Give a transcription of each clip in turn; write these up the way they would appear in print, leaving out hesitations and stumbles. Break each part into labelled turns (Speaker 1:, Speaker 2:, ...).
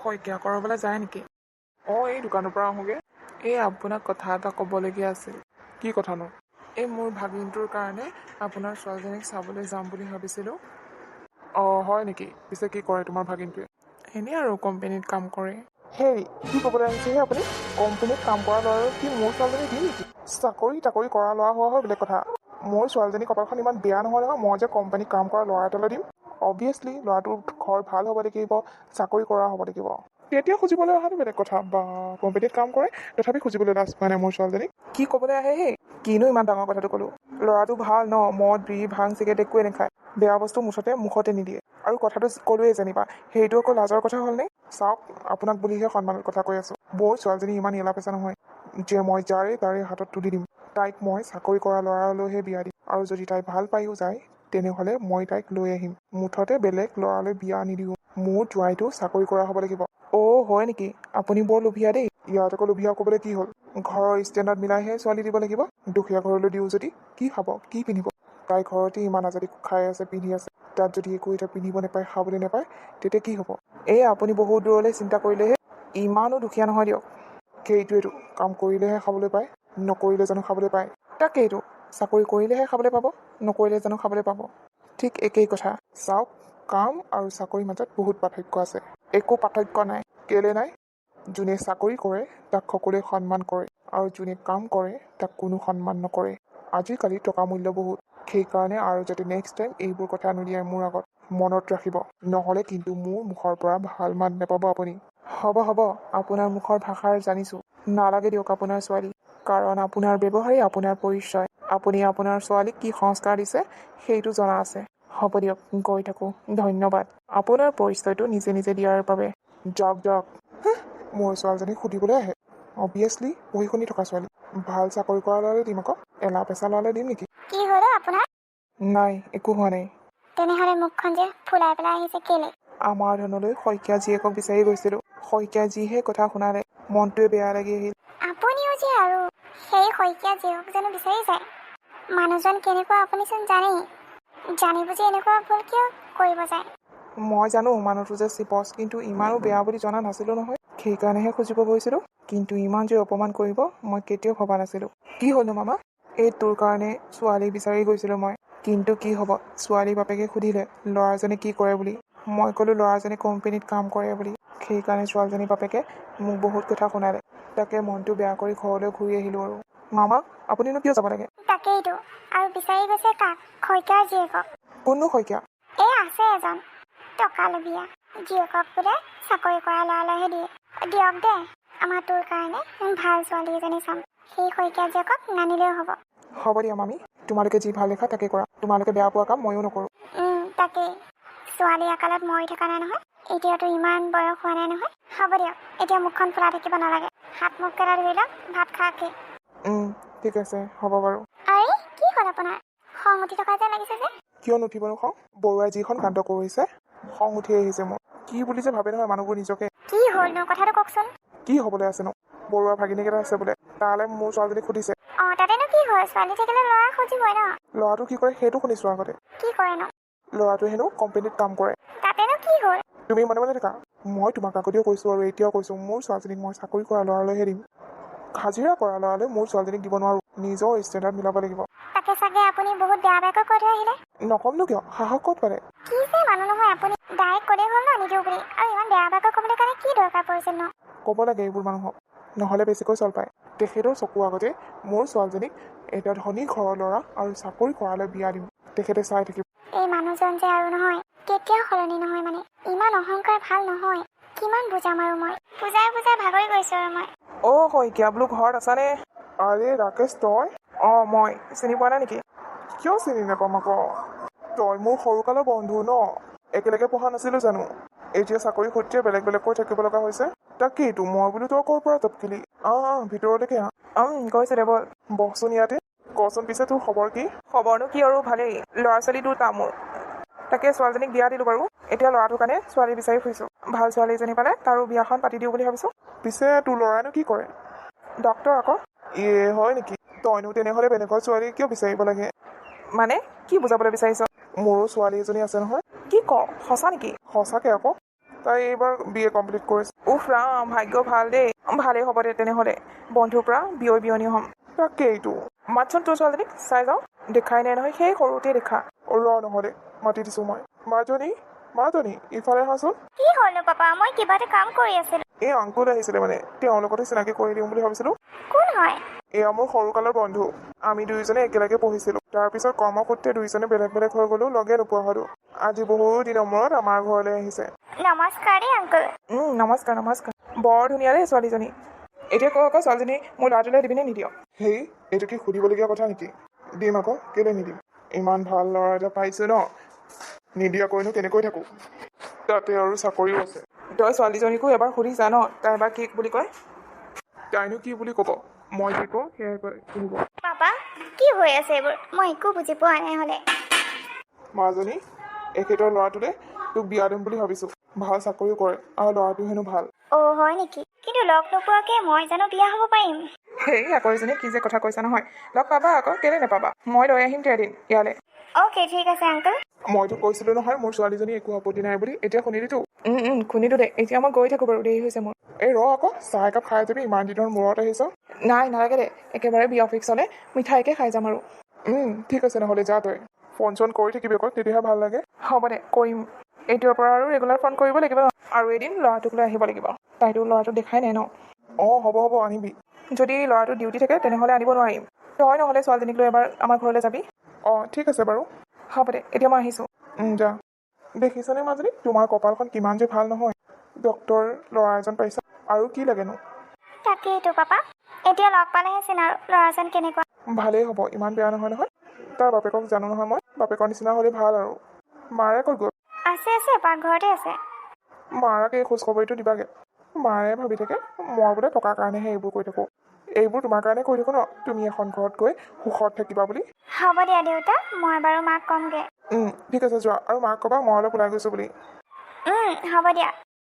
Speaker 1: শইকীয়া কৰাবলৈ যায় নেকি?
Speaker 2: এই দোকানৰ পৰা আহোঁগৈ।
Speaker 1: এই আপোনাক কথা এটা ক'বলগীয়া আছিল।
Speaker 2: কি কথানো?
Speaker 1: এই মোৰ ভাগিনটোৰ কাৰণে আপোনাৰ ছোৱালীজনীক চাবলৈ যাম বুলি ভাবিছিলোঁ।
Speaker 2: হয় নেকি? পিছে কি কৰে তোমাৰ ভাগিনটোৱে?
Speaker 1: এনেই আৰু কোম্পেনীত কাম কৰে।
Speaker 2: হেৰি, কি ক'বলৈ আহিছেহে আপুনি? কোম্পেনীত কাম কৰা ল'ৰা কি মোৰ ছোৱালীজনী দিম নেকি? চাকৰি কৰা ল'ৰা হোৱা হয় বেলেগ কথা। মোৰ ছোৱালীজনী কপালখন ইমান বেয়া নহয় নহয়, মই যে কোম্পানীত কাম কৰা ল'ৰা এটালৈ দিম। অবভিয়াছলি ল'ৰাটোৰ ঘৰ ভাল হ'ব লাগিব, চাকৰি কৰা হ'ব লাগিব। তেতিয়া খুজিবলৈ অহাটো বেলেগ কথা। বা কোম্পানীত কাম কৰে, তথাপি খুজিবলৈ লাজ পোৱা নাই মোৰ ছোৱালীজনীক।
Speaker 1: কি ক'বলৈ আহে হে?
Speaker 2: কিনো ইমান ডাঙৰ কথাটো ক'লো? ল'ৰাটো ভাল ন, মদ বিড়ি ভাং চিগাৰেট একোৱে নাখায়, বেয়া বস্তু মুখতে নিদিয়ে। আৰু কথাটো ক'লোৱেই যেনিবা, সেইটো আকৌ লাজৰ কথা হ'লনে? চাওক, আপোনাক বুলিহে সন্মানৰ কথা কৈ আছোঁ। মোৰ ছোৱালীজনী ইমান এলা পেচা নহয় যে মই তাৰে হাতত তুলি দিম। তাইক মই চাকৰি কৰা ল'ৰালৈহে বিয়া দিম, আৰু যদি তাই ভাল পায়ো যায় তেনেহ'লে মই তাইক লৈ আহিম। মুঠতে বেলেগ ল'ৰালৈ বিয়া নিদিওঁ। মোৰ জোৱাইটো চাকৰি কৰা হ'ব লাগিব।
Speaker 1: হয় নেকি? আপুনি বৰ লোভীয়া দেই।
Speaker 2: ইয়াত আকৌ লোভীয়া ক'বলৈ কি হ'ল? ঘৰৰ ষ্টেণ্ডাৰ্ড মিলাইহে ছোৱালী দিব লাগিব। দুখীয়া ঘৰলৈ দিওঁ যদি কি খাব, কি পিন্ধিব? তাই ঘৰতে ইমান আজাদি খাই আছে, পিন্ধি আছে, তাত যদি একো এটা পিন্ধিব নাপায়, খাবলৈ নাপায়, তেতিয়া কি হ'ব?
Speaker 1: আপুনি বহুত দূৰলৈ চিন্তা কৰিলেহে। ইমানো দুখীয়া নহয় দিয়ক।
Speaker 2: সেইটোৱেতো, কাম কৰিলেহে খাবলৈ পায়, নকৰিলে জানো খাবলৈ পায়?
Speaker 1: তাকেইতো, চাকৰি কৰিলেহে খাবলৈ পাব, নকৰিলে জানো খাবলৈ পাব? ঠিক একেই কথা।
Speaker 2: চাওক, কাম আৰু চাকৰিৰ মাজত বহুত পাৰ্থক্য আছে।
Speaker 1: একো পাৰ্থক্য নাই।
Speaker 2: কেলে নাই? যোনে চাকৰি কৰে তাক সকলোৱে সন্মান কৰে, আৰু যোনে কাম কৰে তাক কোনো সন্মান নকৰে। আজিকালি টকা মূল্য বহুত। সেইকাৰণে আৰু যাতে নেক্সট টাইম এইবোৰ কথা নুলিয়াই মোৰ আগত, মনত ৰাখিব। নহ'লে কিন্তু মোৰ মুখৰ পৰা ভাল মাত নাপাব আপুনি।
Speaker 1: হ'ব, আপোনাৰ মুখৰ ভাষাৰ জানিছোঁ। নালাগে দিয়ক আপোনাৰ ছোৱালী, কাৰণ আপোনাৰ ব্যৱহাৰেই আপোনাৰ পৰিচয়। আপুনি আপোনাৰ ছোৱালীক কি সংস্কাৰ দিছে সেইটো জনা আছে। হ'ব দিয়ক, গৈ থাকোঁ। ধন্যবাদ আপোনাৰ পৰিচয়টো নিজে দিয়াৰ বাবে।
Speaker 2: যাওক। মোৰ ছোৱালীজনীক সুধিবলৈ আহে। অবভিয়াছলি পঢ়ি শুনি থকা ছোৱালী। ভাল চাকৰি কৰা ল'ৰালৈ দিম আকৌ, এলা পেচা ল'ৰালৈ দিম নেকি?
Speaker 3: কি হ'ল আপোনাৰ?
Speaker 1: নাই, একো হোৱা নাই।
Speaker 3: তেনেহ'লে মুখখন যে ফুলাই পেলাই আহিছে কেলে?
Speaker 1: আমাৰ ধনলৈ শইকীয়া জীয়েকক বিচাৰি গৈছিলোঁ। শইকীয়া জীহে কথা শুনালে, মনটোৱে বেয়া লাগি আহিল।
Speaker 3: আপুনিও যে আৰু সেই শইকীয়া জীয়েকক জানো বিচাৰি যায়? মানুহজন কেনেকুৱা আপুনিচোন জানেই। জানি বুজি এনেকুৱা ভুল কিয় কৰিব যায়?
Speaker 1: মই জানো মানুহটো যে চিপচ, কিন্তু ইমানো বেয়া বুলি জনা নাছিলোঁ নহয়। সেইকাৰণেহে খুজিব গৈছিলোঁ। কিন্তু ইমান যে অপমান কৰিব মই কেতিয়াও ভবা নাছিলোঁ। কি হ'লনো মামা? এই তোৰ কাৰণে ছোৱালী বিচাৰি গৈছিলোঁ মই। কিন্তু কি হ'ব, ছোৱালী বাপেকে সুধিলে ল'ৰাজনে কি কৰে বুলি। মই ক'লোঁ ল'ৰাজনে কোম্পেনীত কাম কৰে বুলি। সেইকাৰণে ছোৱালীজনীৰ বাপেকে মোক বহুত কথা শুনালে। তাকে মনটো বেয়া কৰি ঘৰলৈ ঘূৰি আহিলোঁ আৰু। মামা, আপুনিনো কিয় যাব লাগে?
Speaker 3: তাকেইতো, আৰু বিচাৰি গৈছে কাক? শইকীয়াৰ জীয়েকক।
Speaker 1: কোননো শইকীয়া?
Speaker 3: আছে এজন টকা লবীয়া। জীয়েকক বোলে চাকৰি কৰা ল'ৰালৈহে দিয়ে। দিয়ক দে, আমাৰ তোৰ কাৰণে ভাল ছোৱালী এজনী চাম। সেই শইকীয়া জীয়েকক নানিলেও হ'ব।
Speaker 1: হ'ব দিয়া মামী, তোমালোকে যি ভাল দেখা তাকে কৰা। তোমালোকে বেয়া পোৱা কাম ময়ো নকৰোঁ।
Speaker 3: তাকেই, ছোৱালী আকালত মৰি থকা নাই নহয়। এতিয়াতো ইমান বয়স হোৱা নাই নহয়। হ'ব দিয়ক, এতিয়া মুখখন ফুলা থাকিব নালাগে। হাত মুখকেইটা ধুই লওক, ভাত খাওঁকে।
Speaker 1: ঠিক আছে, হ'ব বাৰু।
Speaker 3: আৰে, কি হ'ল আপোনাৰ? খং উঠি থকা যেন লাগিছে যে?
Speaker 2: কিয় নুঠিবনো খং? বৰুৱাই যিখন কাণ্ড কৰিছে, খং উঠি আহিছে মোৰ। কি বুলি যে ভাবে নহয় মানুহবোৰ নিজকে।
Speaker 3: কি হ'লনো, কথাটো কওকচোন।
Speaker 2: কি হ'বলৈ আছেনো? বৰুৱা ভাগিনীক এটা আছে বোলে, তালৈ মোৰ ছোৱালীজনীক সুধিছে।
Speaker 3: তাতেনো কি হয়? ছোৱালী থাকিলে ল'ৰা খুজিবই ন।
Speaker 2: ল'ৰাটো কি কৰে সেইটো শুনিছোঁ আগতে।
Speaker 3: কি কৰেনো?
Speaker 2: ল'ৰাটোৱে হেনো কোম্পেনীত কাম কৰে।
Speaker 3: তাতেনো কি হ'ল?
Speaker 2: তুমি মনে থাকা। মই তোমাক আগতেও কৈছোঁ আৰু এতিয়াও কৈছোঁ, মোৰ ছোৱালীজনীক মই চাকৰি কৰা ল'ৰালৈহে দিম। হাজিৰা কৰা ল'ৰালৈ মোৰ ছোৱালীজনীক দিব নোৱাৰোঁ। নিজৰ ষ্টেণ্ডাৰ্ড মিলাব লাগিব।
Speaker 3: তাকে চাগে আপুনি বহুত বেয়াকৈ কৈ থৈ আহিলে।
Speaker 2: নকমনো কিয়? সাহস ক'ত পালে?
Speaker 3: কি যে মানুহ নহয় আপুনি। ডাইৰেক্ট ক'লেই হ'ল ন নিদিওঁ বুলি। আৰু ইমান বেয়াকৈ ক'বলৈ কাৰণে কি দৰকাৰ পৰিছিল ন?
Speaker 2: ক'ব লাগে এইবোৰ মানুহক, নহ'লে বেছিকৈ চল পায়। তেখেতৰ চকুৰ আগতে মোৰ ছোৱালীজনীক এটা ধনী ঘৰৰ ল'ৰা আৰু চাকৰি কৰালৈ বিয়া দিম। তেখেতে চাই থাকিব।
Speaker 3: এই মানুহজন যে আৰু নহয়, কেতিয়াও সলনি নহয় মানে। ইমান অহংকাৰ ভাল নহয়। কিমান বুজাম আৰু মই। বুজাই ভাগৰি গৈছোঁ আৰু মই।
Speaker 1: শইকীয়া বোলো ঘৰত আছানে?
Speaker 2: আৰে ৰাকেশ, তই?
Speaker 1: মই চিনি পোৱা নাই নেকি?
Speaker 2: কিয় চিনি নাপাম আকৌ? তই মোৰ সৰুকালৰ বন্ধু ন, একেলগে পঢ়া নাছিলোঁ জানো? এতিয়া চাকৰি সূত্ৰে বেলেগকৈ থাকিব লগা হৈছে। তাকেইতো মই বোলো তই ক'ৰ পৰা টপকিলি? ভিতৰলৈকে
Speaker 1: গৈছে দে বল।
Speaker 2: বহচোন ইয়াতে। কচোন পিছে তোৰ খবৰ কি?
Speaker 1: খবৰনো কি আৰু ভালেই। ল'ৰা ছোৱালী দুটা মোৰ। তাকে ছোৱালীজনীক বিয়া দিলোঁ বাৰু। এতিয়া ল'ৰাটোৰ কাৰণে ছোৱালী বিচাৰি ফুৰিছোঁ। ভাল ছোৱালী এজনী পালে তাৰো বিয়াখন পাতি দিওঁ বুলি ভাবিছোঁ।
Speaker 2: পিছে তোৰ ল'ৰাইনো কি কৰে?
Speaker 1: ডক্তৰ আকৌ।
Speaker 2: হয় নেকি? তইনো তেনেহ'লে বেলেগৰ ছোৱালী কিয় বিচাৰিব লাগে?
Speaker 1: মানে কি বুজাবলৈ বিচাৰিছ?
Speaker 2: মোৰো ছোৱালী এজনী আছে নহয়।
Speaker 1: কি ক? সঁচা নেকি?
Speaker 2: সঁচাকে আকৌ। তাই এইবাৰ BA কমপ্লিট কৰিছে।
Speaker 1: উফ ৰাম, ভাগ্য ভাল দেই। ভালেই হ'ব দে তেনেহ'লে, বন্ধুৰ পৰা বিয়নী হ'ম।
Speaker 2: তাকেইটো।
Speaker 1: মাতচোন তোৰ ছোৱালীজনীক, চাই যাওঁ। দেখাই নাই নহয়, সেই সৰুতে দেখা।
Speaker 2: ৰ নহ'লে মাতি দিছোঁ মই। মাজনী ইফালে আহাচোন।
Speaker 3: কি হ'লনো পাপা? মই কিবা এটা কাম কৰি আছিলোঁ।
Speaker 2: এই আংকুল আহিছিলে মানে, তেওঁৰ লগতে চিনাকি কৰি দিম বুলি ভাবিছিলোঁ।
Speaker 3: কোন হয়?
Speaker 2: এয়া মোৰ সৰুকালৰ বন্ধু। আমি দুয়োজনে একেলগে পঢ়িছিলোঁ। তাৰপিছত কৰ্মসূত্ৰে দুয়োজনে বেলেগ বেলেগ হৈ গ'লো, লগে নোপোৱা হ'লো। আজি বহু দিনৰ মূৰত আমাৰ ঘৰলৈ আহিছে।
Speaker 3: নমস্কাৰ দেই আংকুল।
Speaker 1: নমস্কাৰ নমস্কাৰ। বৰ ধুনীয়া দেই ছোৱালীজনী। এতিয়া কওঁ আকৌ ছোৱালীজনী মোৰ ল'ৰাটোলৈ দিবিনে নিদিয়?
Speaker 2: হেই, এইটো কি সুধিবলগীয়া কথা নেকি? দিম আকৌ, কেলৈ নিদিম? ইমান ভাল ল'ৰা এটা পাইছোঁ ন, নিদিয়াকৈনো কেনেকৈ থাকোঁ? তাতে আৰু চাকৰিও আছে।
Speaker 1: তই ছোৱালীজনীকো এবাৰ সুধিছা ন, তাই এবাৰ কি বুলি কয়?
Speaker 2: তাইনো কি বুলি ক'ব? মই যি কওঁ সেয়াই শুনিব।
Speaker 3: পাপা, কি হৈ আছে এইবোৰ? মই একো বুজি পোৱা নাই হ'লে।
Speaker 2: মাজনী, এখেতৰ ল'ৰাটোলে তোক বিয়া দিম বুলি ভাবিছোঁ। ভাল চাকৰিও কৰে আৰু ল'ৰাটো হেনো ভাল।
Speaker 3: অ' হয় নেকি? কিন্তু লগ নোপোৱাকৈ মই জানো বিয়া হ'ব পাৰিম?
Speaker 1: সেই আকৰিজনী কি যে কথা কৈছা নহয়। লগ পাবা আকৌ, কেলৈ নাপাবা? মই লৈ আহিম এদিন ইয়ালৈ।
Speaker 3: অ'কে, ঠিক আছে আংকুল।
Speaker 2: মইতো কৈছিলোঁ নহয় মোৰ ছোৱালীজনী একো আপত্তি নাই বুলি, এতিয়া শুনিলিতো।
Speaker 1: শুনিলোঁ দেই। এতিয়া মই গৈ থাকোঁ বাৰু, দেৰি হৈছে মোৰ।
Speaker 2: এই ৰ আকৌ, চাহ একাপ খাই যাবি, ইমান দিনৰ মূৰত আহিছ।
Speaker 1: নাই নালাগে দে, একেবাৰে বিয়া ফিক্সলৈ মিঠাইকে খাই যাম আৰু।
Speaker 2: ঠিক আছে নহ'লে যা তই। ফোন চোন কৰি থাকিবি আকৌ, তেতিয়াহে ভাল লাগে।
Speaker 1: হ'ব দে, কৰিম। এইটোৰ পৰা আৰু ৰেগুলাৰ ফোন কৰিব লাগিব ন। আৰু এদিন ল'ৰাটোক লৈ আহিব লাগিব। তাইতো ল'ৰাটো দেখাই নাই ন।
Speaker 2: হ'ব আনিবি।
Speaker 1: যদি ল'ৰাটো ডিউটি থাকে তেনেহ'লে আনিব নোৱাৰিম। তই নহ'লে ছোৱালীজনীক লৈ এবাৰ আমাৰ ঘৰলৈ যাবি।
Speaker 2: ঠিক আছে বাৰু।
Speaker 1: হ'ব দে, এতিয়া মই আহিছোঁ।
Speaker 2: যা। দেখিছানে মাজনী, তোমাৰ কপালখন কিমান যে ভাল নহয়। ডক্তৰ ল'ৰা এজন পাইছা, আৰু কি লাগেনো?
Speaker 3: তাকেইতো পাপা, এতিয়া লগ পালেহে চিন আৰু ল'ৰাজন কেনেকুৱা।
Speaker 2: ভালেই হ'ব, ইমান বেয়া নহয় নহয়। তাৰ বাপেকক জানো নহয় মই, বাপেকৰ নিচিনা হ'লে ভাল আৰু। মাৰে ক'ত গ'ল?
Speaker 3: আছে, পাকঘৰতে আছে।
Speaker 2: মাৰাক এই খোজখবৰিটো দিবাগে। মাৰে ভাবি থাকে মই বোলে টকাৰ কাৰণেহে এইবোৰ কৰি থাকোঁ। এইবোৰ তোমাৰ কাৰণে কৰি থাকোঁ ন, তুমি এখন ঘৰত গৈ সুখত থাকিবা বুলি।
Speaker 3: হ'ব দিয়া দেউতা, মই বাৰু মাক ক'মগৈ।
Speaker 2: ঠিক আছে যোৱা, আৰু মাক ক'বা মই অলপ ওলাই গৈছোঁ বুলি।
Speaker 3: হ'ব দিয়া।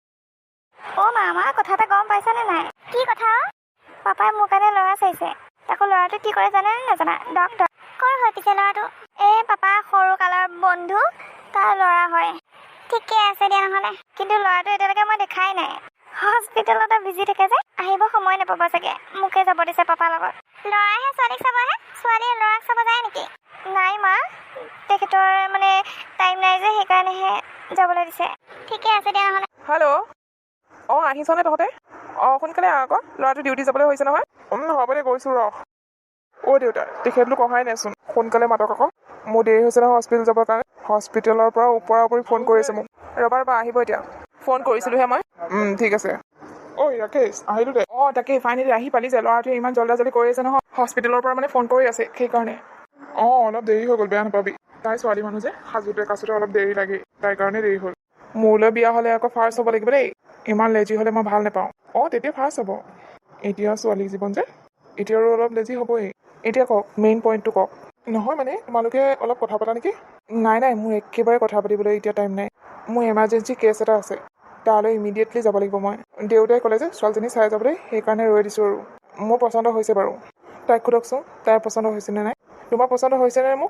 Speaker 3: অ' মা কথা এটা গম পাইছানে নাই? কি কথা? পাপাই মোৰ কাৰণে ল'ৰা চাইছে। তাকো ল'ৰাটো কি কৰে জানে নে নাজানা? ডক্তৰ। ক'ৰ হয় পিছে ল'ৰাটো? পাপা সৰু কালৰ বন্ধু, তাৰ ল'ৰা হয়। ঠিকে আছে দিয়া নহ'লে। কিন্তু ল'ৰাটো এতিয়ালৈকে মই দেখাই নাই। হস্পিটেলতে বিজি থাকে যে, আহিব সময় নাপাব চাগে। মোকে যাব দিছে পাপাৰ লগত। ল'ৰাইহে ছোৱালীক চাবহে? ছোৱালীয়ে ল'ৰাক চাব যায় নেকি? নাই মা, তেখেতৰ মানে টাইম নাই যে, সেইকাৰণেহে যাবলৈ দিছে। ঠিকে আছে দিয়া নহ'লে।
Speaker 1: হেল্ল'। আহিছনে তহঁতে? সোনকালে আহ আকৌ, ল'ৰাটো ডিউটি যাবলৈ হৈছে নহয়।
Speaker 2: হ'ব দে গৈছোঁ ৰ। দেউতা, তেখেতলোক অহাই নাইচোন। সোনকালে মাতক আকৌ, মোৰ দেৰি হৈছে নহয় হস্পিটেল যাবৰ কাৰণে। হস্পিটেলৰ পৰা ওপৰা ওপৰি ফোন কৰিছে মোক।
Speaker 1: ৰ'বা আহিব এতিয়া। ফোন কৰিছিলোঁহে মই।
Speaker 2: ঠিক আছে। ৰাকেশ, আহিলোঁ দে।
Speaker 1: তাকেই ফাইনেলি আহি পালি যে। ল'ৰাটোৱে ইমান জল্দি কৰি আছে নহয়, হস্পিটেলৰ পৰা মানে ফোন কৰি আছে সেইকাৰণে।
Speaker 2: অলপ দেৰি হৈ গ'ল, বেয়া নাপাবি। তাই ছোৱালী মানুহ যে, সাজোতে কাচোতে অলপ দেৰি লাগে, তাইৰ কাৰণে দেৰি হ'ল। মোলৈ বিয়া হ'লে আকৌ ফাৰ্ষ্ট হ'ব লাগিব দেই। ইমান লেজি হ'লে মই ভাল নাপাওঁ। তেতিয়া ফাৰ্ষ্ট হ'ব। এতিয়া ছোৱালী জীৱন যে, এতিয়া আৰু অলপ লেজি হ'বই।
Speaker 1: এতিয়া কওক, মেইন পইণ্টটো কওক।
Speaker 2: নহয় মানে, তোমালোকে অলপ কথা পতা নেকি?
Speaker 1: নাই মোৰ একেবাৰে কথা পাতিবলৈ এতিয়া টাইম নাই। মোৰ এমাৰ্জেঞ্চি কেছ এটা আছে, তালৈ ইমিডিয়েটলি যাব লাগিব মই। দেউতাই ক'লে যে ছোৱালীজনী চাই যাবলৈ, সেইকাৰণে ৰৈ দিছোঁ আৰু। মোৰ পচন্দ হৈছে বাৰু। তাইক সোধকচোন, তাইৰ পচন্দ হৈছেনে নাই? তোমাৰ পচন্দ হৈছেনে মোক?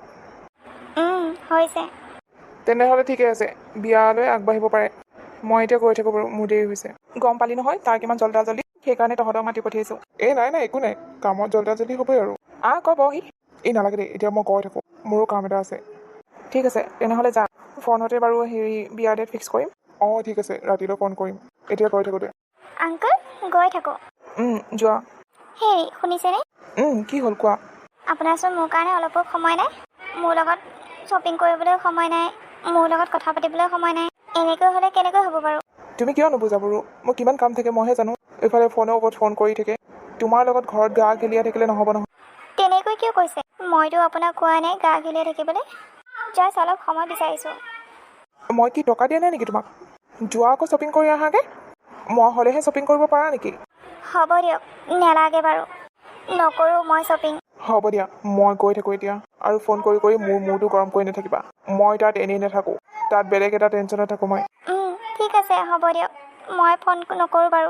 Speaker 3: হৈছে।
Speaker 1: তেনেহ'লে ঠিকে আছে, বিয়ালৈ আগবাঢ়িব পাৰে। মই এতিয়া গৈ থাকোঁ বাৰু, মোৰ দেৰি হৈছে। গম পালি নহয় তাৰ কিমান জল্দি, সেইকাৰণে তহঁতক মাতি পঠিয়াইছোঁ।
Speaker 2: নাই একো নাই, কামত জল্দি হ'বই আৰু।
Speaker 1: ক বহি।
Speaker 2: নালাগে দেই, এতিয়া মই গৈ থাকোঁ, মোৰো কাম এটা আছে।
Speaker 1: ঠিক আছে, তেনেহ'লে যা। ফোনতে বাৰু বিয়াৰ ডেট ফিক্স কৰিম।
Speaker 2: ঠিক আছে, ৰাতিলৈ ফোন কৰিম। এতিয়া গৈ থাকোঁ দে।
Speaker 3: আংকুল, গৈ থাকোঁ।
Speaker 1: যোৱা।
Speaker 3: হেই, শুনিছেনে?
Speaker 1: কি হ'ল কোৱা?
Speaker 3: আপোনাৰচোন মোৰ কাৰণে অলপো সময় নাই। মোৰ লগত শ্বপিং কৰিবলৈ সময় নাই, মোৰ লগত কথা পাতিবলৈ সময় নাই। এনেকৈ হ'লে কেনেকৈ হ'ব বাৰু?
Speaker 1: তুমি কিয় নুবুজা বাৰু? মোৰ কিমান কাম থাকে মইহে জানো। এইফালে ফোনৰ ওপৰত ফোন কৰি থাকে। তোমাৰ লগত ঘৰত গা গেলিয়াই থাকিলে নহ'ব নহয়।
Speaker 3: তেনেকৈ কিয় কৈছে? মইতো আপোনাক কোৱা নাই গা গেলিয়াই থাকিবলৈ। জাষ্ট অলপ সময় বিচাৰিছোঁ।
Speaker 1: মই কি টকা দিয়া নাই নেকি তোমাক? যোৱা আকৌ শ্বপিং কৰি আহাগৈ। মই হ'লেহে শ্বপিং কৰিব পাৰা নেকি?
Speaker 3: হ'ব দিয়ক, নেলাগে বাৰু। নকৰোঁ মই শ্বপিং।
Speaker 1: হ'ব দিয়া, মই গৈ থাকোঁ এতিয়া। আৰু ফোন কৰি মোৰ মূৰটো গৰম কৰি নাথাকিবা। মই তাত এনেই নাথাকোঁ, তাত বেলেগ এটা টেনশ্যনত থাকোঁ মই।
Speaker 3: ঠিক আছে, হ'ব দিয়ক। মই ফোন নকৰোঁ বাৰু।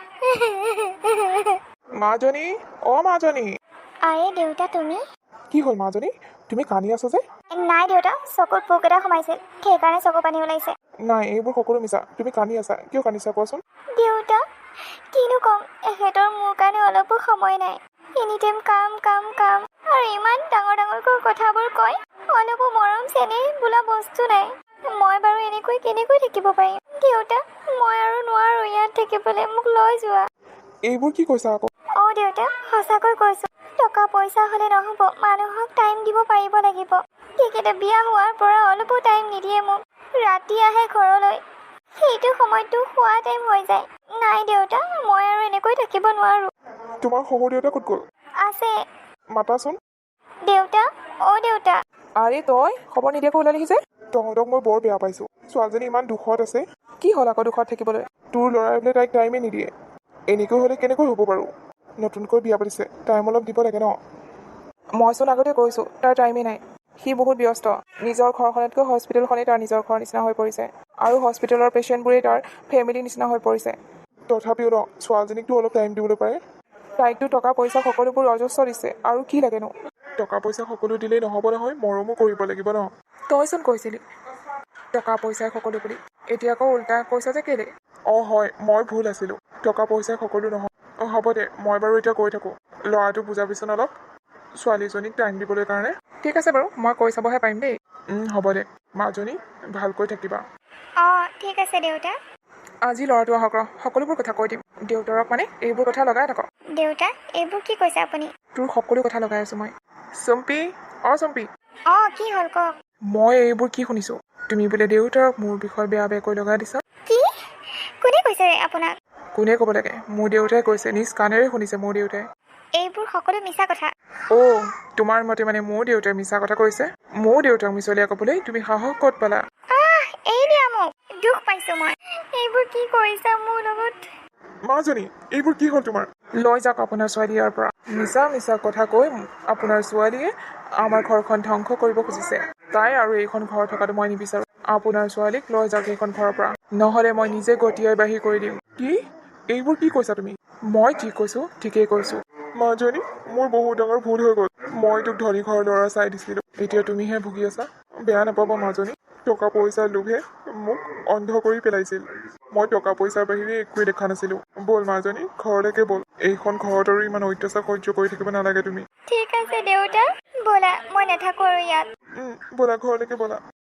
Speaker 2: মাজনী, মাজনী।
Speaker 3: আৰে দেউতা, তুমি?
Speaker 2: কি হ'ল মাজনী? তুমি কান্দি আছা যে?
Speaker 3: নাই দেউতা, চকুত পোক এটা সোমাইছিল, সেইকাৰণে চকু পানী ওলাইছে।
Speaker 2: নাই এইবোৰ সকলো মিছা তুমি কান্দি আছা কিয় কান্দিছা কোৱাচোন
Speaker 3: দেউতা কিনো ক'ম এখেতৰ মোৰ কাৰণে অলপো সময় নাই এনিটাইম কাম কাম কাম আৰু ইমান ডাঙৰ ডাঙৰকৈ কথাবোৰ কয় অলপো মৰম চেনেহ বোলা বস্তু নাই মই বাৰু এনেকৈ কেনেকৈ থাকিব পাৰিম দেউতা মই আৰু নোৱাৰো ইয়াত থাকিবলৈ মোক লৈ যোৱা
Speaker 2: এইবোৰ কি কৈছা আকৌ
Speaker 3: অ' দেউতা সঁচাকৈ কৈছোঁ টকা পইচা হ'লে নহ'ব মানুহক টাইম দিব পাৰিব লাগিব তেখেতে বিয়া হোৱাৰ পৰা অলপো টাইম নিদিয়ে মোক ৰাতি আহে ঘৰলৈ সেইটো সময়তো খোৱা টাইম হৈ যায় নাই দেউতা মই আৰু এনেকৈ থাকিব নোৱাৰোঁ
Speaker 2: তোমাৰ শহুৰ দেউতা ক'ত গ'ল
Speaker 3: আছে
Speaker 2: মাতাচোন
Speaker 3: দেউতা অ' দেউতা
Speaker 1: আৰে তই খবৰ নিদিয়াকৈ ওলালিহি যে
Speaker 2: তহঁতক মই বৰ বেয়া পাইছোঁ ছোৱালীজনী ইমান দুখত আছে
Speaker 1: কি হ'ল আকৌ দুখত থাকিবলৈ
Speaker 2: তোৰ ল'ৰাই বোলে তাইক টাইমে নিদিয়ে এনেকৈ হ'লে কেনেকৈ হ'ব বাৰু নতুনকৈ বিয়া পাতিছে টাইম অলপ দিব লাগে ন
Speaker 1: মইচোন আগতে কৈছোঁ তাৰ টাইমেই নাই সি বহুত ব্যস্ত নিজৰ ঘৰখনতকৈ হস্পিটেলখনেই তাৰ নিজৰ ঘৰ নিচিনা হৈ পৰিছে আৰু হস্পিটেলৰ পেচেণ্টবোৰেই তাৰ ফেমিলি নিচিনা হৈ পৰিছে
Speaker 2: তথাপিও ন ছোৱালীজনীকতো অলপ টাইম দিবলৈ পাৰে
Speaker 1: তাইকতো টকা পইচা সকলোবোৰ অজস্ৰ দিছে আৰু কি লাগেনো
Speaker 2: টকা পইচা সকলো দিলেই নহ'ব নহয় মৰমো কৰিব লাগিব ন
Speaker 1: তইচোন কৈছিলি টকা পইচাই সকলো বুলি এতিয়া আকৌ উল্টা কৈছা যে কেলে
Speaker 2: অঁ হয় মই ভুল আছিলোঁ টকা পইচাই সকলো নহয় অঁ হ'ব দে মই বাৰু এতিয়া কৈ থাকোঁ ল'ৰাটো বুজাবিচোন অলপ ছোৱালীজনীক টাইম দিবলৈ কাৰণে
Speaker 1: ঠিক আছে বাৰু মই কৈ চাবহে পাৰিম দেই
Speaker 2: হ'ব দে মাজনী ভালকৈ থাকিবা
Speaker 3: অ' ঠিক আছে দেউতা
Speaker 1: আজি ল'ৰাটো আহক ৰ সকলোবোৰ কথা কৈ দিম দেউতাৰক মানে এইবোৰ কথা লগাই থাকক
Speaker 3: দেউতা এইবোৰ কি কৈছে আপুনি
Speaker 1: তোৰ সকলো কথা লগাই আছোঁ মই চম্পী চম্পী
Speaker 3: অ' কি হ'ল কওক
Speaker 1: মই এইবোৰ কি শুনিছোঁ তুমি বোলে দেউতাৰক মোৰ বিষয়ে বেয়া বেয়াকৈ লগাই দিছা
Speaker 3: কি কোনে কৈছে আপোনাক
Speaker 1: কোনে ক'ব লাগে মোৰ দেউতাই কৈছে নিজ কাণেৰে শুনিছে মোৰ দেউতাই
Speaker 3: এইবোৰ সকলো মিছা কথা
Speaker 1: অ' তোমাৰ মতে মানে মোৰ দেউতাই মিছা কথা কৈছে মোৰ দেউতাক মিছলীয়া ক'বলৈ তুমি সাহস ক'ত পালা
Speaker 3: এই দিয়া মোক দুখ পাইছোঁ মই এইবোৰ কি কৰিছা মোৰ লগত
Speaker 2: মাজনী এইবোৰ কি হ'ল তোমাৰ
Speaker 1: লৈ যাওক আপোনাৰ ছোৱালী ইয়াৰ পৰা মিছা মিছা কথা কৈ আপোনাৰ ছোৱালীয়ে আমাৰ ঘৰখন ধ্বংস কৰিব খুজিছে তাই আৰু এইখন ঘৰ থকাটো মই নিবিচাৰোঁ আপোনাৰ ছোৱালীক লৈ যাওক এইখন ঘৰৰ পৰা নহ'লে মই নিজে গতিয়াই বাহিৰ কৰি দিম
Speaker 2: কি এইবোৰ কি কৈছা তুমি
Speaker 1: মই যি কৈছোঁ ঠিকেই কৈছোঁ
Speaker 2: মাজনী মোৰ বহুত ডাঙৰ ভুল হৈ গ'ল মই তোক ধনী ঘৰৰ ল'ৰা চাই দিছিলোঁ এতিয়া তুমিহে ভুগি আছা বেয়া নাপাবা মাজনী টকা পইচাৰ লোভে মোক অন্ধ কৰি পেলাইছিল মই টকা পইচাৰ বাহিৰে একোৱে দেখা নাছিলোঁ ব'ল মাজনী ঘৰলৈকে ব'ল এইখন ঘৰত আৰু ইমান অত্যাচাৰ সহ্য কৰি থাকিব নালাগে তুমি
Speaker 3: ঠিক আছে দেউতা ব'লা মই নাথাকোঁ আৰু ইয়াত
Speaker 2: ব'লা ঘৰলৈকে ব'লা